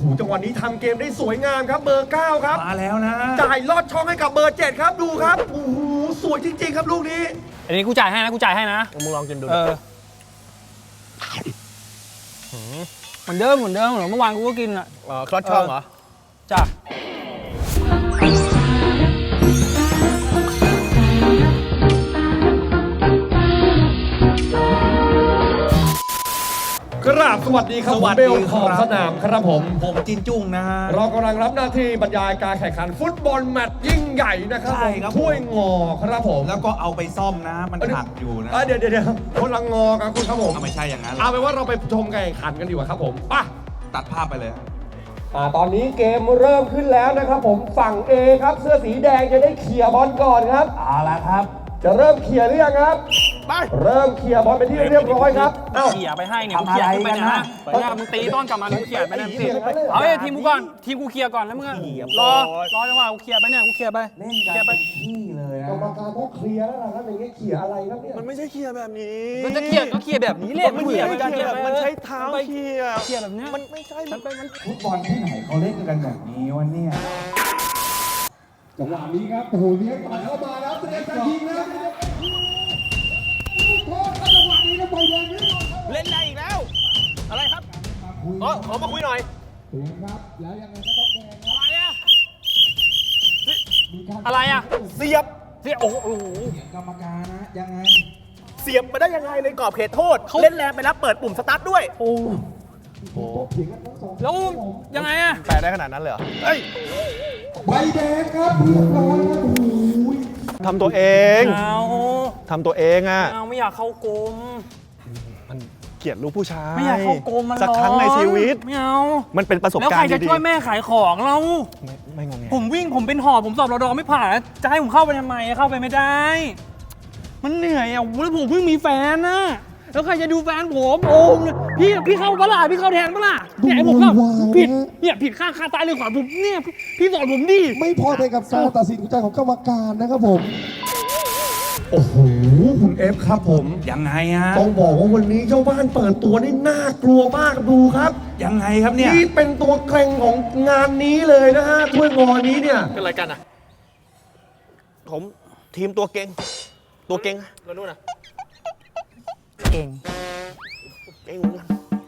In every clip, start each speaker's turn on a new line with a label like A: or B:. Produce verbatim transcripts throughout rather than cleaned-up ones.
A: จังหวะนี้ทำเกมได้สวยงามครับเบอร์เก้าครับ
B: มาแล้วนะ
A: จ่ายลอดช่องให้กับเบอร์เจ็ดครับดูครับโอ้โหสวยจริงๆครับลูกนี้
C: อันนี้กูจ่ายให้นะกูจ่ายให้นะ
B: มึงลองกินดู
C: เออเหมือนเดิมเหมือนเดิมเหมือนเมื่อวานกูก็กินอ่ะ
B: อ๋อคลอดช่องเหรอ
C: จ้ะ
A: กราบสวัสดีครับผมเบลขอบสนามครับผม
B: ผมจินจุ้งนะฮะ
A: เรากำลังรับหน้าที่บรรยายการแข่งขันฟุตบอลแมตช์ยิ่งใหญ่นะครับ
B: ใช่ครับ
A: ถ้วยงอครับผม
B: แล้วก็เอาไปซ่อมนะมันหักอยู่นะ
A: เดี๋ยวเดี๋ยวคนละงอกันคุณครับผม
B: ไม่ใช่อย่างนั้น
A: เอาเป็นว่าเราไปชมการแข่งขันกันดีกว่าครับผมไป
B: ตัดภาพไปเลย
A: อ่าตอนนี้เกมเริ่มขึ้นแล้วนะครับผมฝั่ง A ครับเสื้อสีแดงจะได้เขี่ยบอลก่อนครับ
B: เอาละครับ
A: จะเริ่มเขี่ยหรือยังครับไปเริ่มเขี่ยบอลไปที่เรียบร้อยครับ
C: เอ้าเขี่ยไปให้เนี่ยกูเขี่ยขึ้นไปนะเปิดหน้ามึงตีต้นกลับมากูเขี่ยไปนะสิเอาไอ้ทีมกูก่อนทีมกูเขี่ยก่อนแล้วมึงรอรอจังหวะกูเขี่ยไปเนี่ยกูเขี่ยไป
B: เล่นกันไปที่เลยนะ
A: กรรมการต้องเคลียร์แล้วนะครับอย่างเงี้ยเขี่ยอะไรครับเนี่ย
D: มันไม่ใช่เขี่ยแบบนี้
C: มันจะเขี่ยก็เขี่ยแบบนี้เลย
D: มันเขี่ยแบบมันใช้เท้าเขี่ย
C: เขี่ยแบบนี้
D: มันไม่ใช่
C: มันเป็นมัน
B: ฟุตบอลที่ไหนเขาเล่นกันแบบนี้วะเนี่ย
A: จังหวะนี้ครับโอ้โหเลี้ยงต่อยเข้ามาแล้วเตรียมจะยิงแล้ว
D: เล่นได้อีกแล้วอะไรครับอ๋อขอมาคุยหน่อย
A: ครับแล้วยังไงก็ต้องแดง
C: อะไรอะอะไรอะ
D: เสียบ
C: เสียบโอ้โห
B: กรรมการนะยังไง
D: เสียบมาได้ยังไงในกรอบเขตโทษเล่นแรงไปแล้วเปิดปุ่มสตาร์ทด้วย
C: โอ้โหแล้วยังไงอะ
D: แปลได้ขนาดนั้นเลยเหรอเฮ้ย
A: ใบแดงครับเรียบร้อยครับโอ้ย
D: ทำตัวเอง
C: เอา
D: ทำตัวเองอ่ะ
C: เอาไม่อยากเข้ากรม
D: มันเกลียดลูกผู้ชาย
C: ไม่อยากเข้ากรมมัน
D: สักครั้งในชีวิต
C: ไม่เอา
D: มันเป็นประสบการณ์ดีๆ
C: แล้วใครจะช่วยแม่ขายของเรา
D: ไม่ไม่งงไง
C: ผมวิ่งผมเป็นหอบผมสอบรอดอไม่ผ่านจะให้ผมเข้าไปทำไมเข้าไปไม่ได้มันเหนื่อยอ่ะแล้วผมเพิ่งมีแฟนนะแล้วใครจะดูแฟนผมโอ้พี่พี่เข้าปะล่ะพี่เข้าแทนปะล่ะเนี่ยผมเข้าผิดเนี่ยผิดข้างคาตายเลยขวาผมเนี่ยพี่สอนผมดิ
A: ไม่พอใจกับการตัดสินใจของกรรมการนะครับผมโอ้โหคุณเอฟครับผม
B: ยังไงฮะ
A: ต้องบอกว่าวันนี้เจ้าบ้านเปิดตัวนี่น่ากลัวมากดูครับ
B: ยังไงครับเนี่ย
A: นี่เป็นตัวเกรงของงานนี้เลยนะฮะถ้วยงอนี้เนี่ย
D: เป็นอะไรกันอ่ะผมทีมตัวเก่งตัวเก่งแล้วนู่นน่ะ
C: เก่ง
D: เก่งเหมือนกัน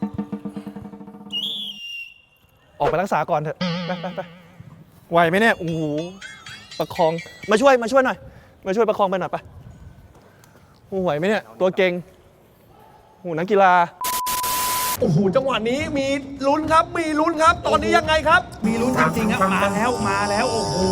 D: ออกไปรักษาก่อนเถอะไปไปไปไหวไหมเนี่ยโอ้โหประคองมาช่วยมาช่วยหน่อยมาช่วยประคองไปหน่อยไปโอ้ไหวไหมเนี่ยตัวเก่งโอ้นักกีฬาโอ้โหจังหวะนี้มีลุ้นครับมีลุ้นครับตอนนี้ยังไงครับ
B: มีลุ้นจริงๆครับมาแล้วมาแล้วโอ้โห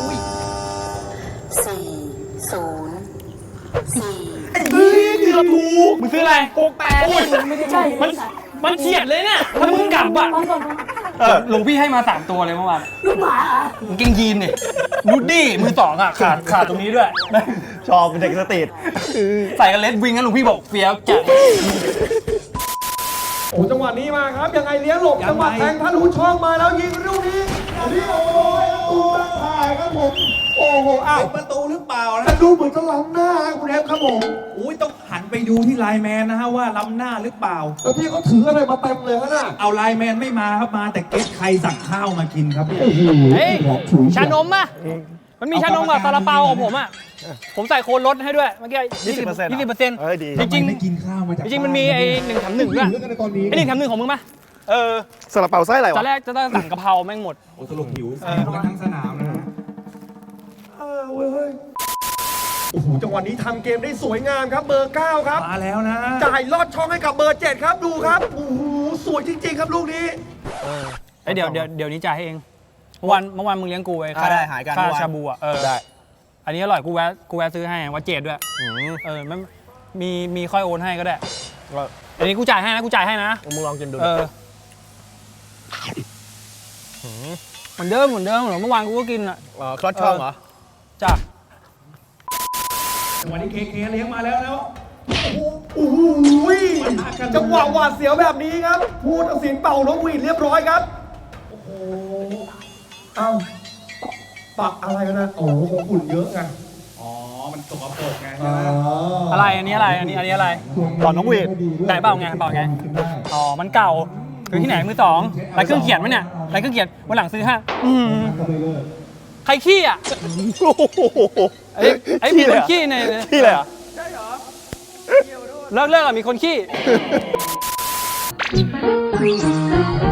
E: สี่ศูนย์สี่
C: เกือบถูกมึงซื้ออะไรหกแปดไม่ใช่มันมันเฉียดเลยเนี่ยถ้ามึงกลับอ่ะหลวงพี่ให้มาสามตัวเลยเมื่อวาน
E: ลูกหมา
C: มึงเก่งยีนเนี่ยนูดดี้มือสองอ่ะขาดขาดตรงนี้ด้วย
D: ชอบเป็นเด็กสตรีท
C: ใส่กันเลสวิงงั้นหลวงพี่บอกเฟี้ยวจัด
A: โอ้จังหวะนี้มาครับยังไงเลี้ยงหลบจังหวะแทงทะลุช่องมาแล้วยิงลูกนี้นี่โอ้ยตูตั้งถ่ายครับผมโอ้โหอ้าว
B: ประตูหรือเปล่านะ
A: ดูเหมือนจะล้ำหน้าคุณเอฟครับผม
B: อุ้ยต้องหันไปดูที่ไลน์แมนนะฮะว่าล้ำหน้าหรือเปล่า
A: แล้วพี่เขาถืออะไรมาเต็มเลยฮะน่ะ
B: เอาไลน์แมนไม่มาครับมาแต่เก็ตใครสั่งข้าวมากินครับ
A: โอ้โห
C: เฮ้ยชานมป่ะมันมีชานมกับซาลาเปาของผมอ่ะผมใส่โคนลดให้ด้วยเมื่อกี้ยี่สิบเปอร์เซ็นต์ยี่สิบเปอร์เซ็นต์จริงจริง
B: ไม่กินข้าวมาจาก
C: จริงมันมีไอ้หนึ่งแถมหนึ่งด้วยไอ้หนึ่งแถมหนึ่งของมึงป่ะ
D: เออซาลาเปาไส้อะไรวะ
C: ตอนแรกจะต้องสั่งกะเพราแม่งหมด
B: โอ้สรุปหิวกันทั้งสนามนะ
A: เออเว้ยโอ้โหจังหวะนี้ทำเกมได้สวยงามครับเบอร์เก้าครับ
B: มาแล้วนะ
A: จ่ายลอดช่องให้กับเบอร์เจ็ดครับดูครับโอ้โหสวยจริงๆครับลูกนี้
C: เออเดี๋ยวเดี๋ยวเดี๋ยวนี้จ่ายให้เองเมื่อวานเมื่อวานมึงเลี้ยงกูไอ้ค่า
D: ได้หายกัน
C: ค่าชาบูอ่ะเออ
D: ได้
C: อันนี้อร่อยกูแวะกูแวะซื้อให้วัดเจ็ดด้วยเออมันมีมีค่อยโอนให้ก็ได้อันนี้กูจ่ายให้นะกูจ่ายให้นะ
D: มึงลองกินดู
C: เออเหมือนเดิมเหมือนเดิมเหมือนเมื่อวานกูก็กินอ่ะ
D: อ๋อคลอดช่องเหรอ
C: จ้ะ
B: วันนี้เคเคเลี้ยงมาแล้วแล้ว
A: โอ้โหจังหวะหวาดเสียวแบบนี้ครับผู้ตัดสินเป่านกหวีดเรียบร้อยครับโอ้โหเอ้าปักอะไรกันนะโอ้โหคงฝุ่นเยอะไง
B: อ๋อมันสกปรกไง
C: อะไรอันนี้อะไรอันนี้อันนี้อะไร
D: ตอนนกหวีด
C: ไหนเปล่าไงเปล่าไงอ๋อมันเก่าซื้อที่ไหนมือสองไรเครื่องเขียนไหมเนี่ยไรเครื่องเขียนวันหลังซื้อให้อืมใครขี้อ่ะ
D: โอ้โห
C: ไอ้ไอ้มีคนขี้ใน
D: ขี้เลยเหรอ่ะ
C: เลิกเลิกอ่ะมีคนขี้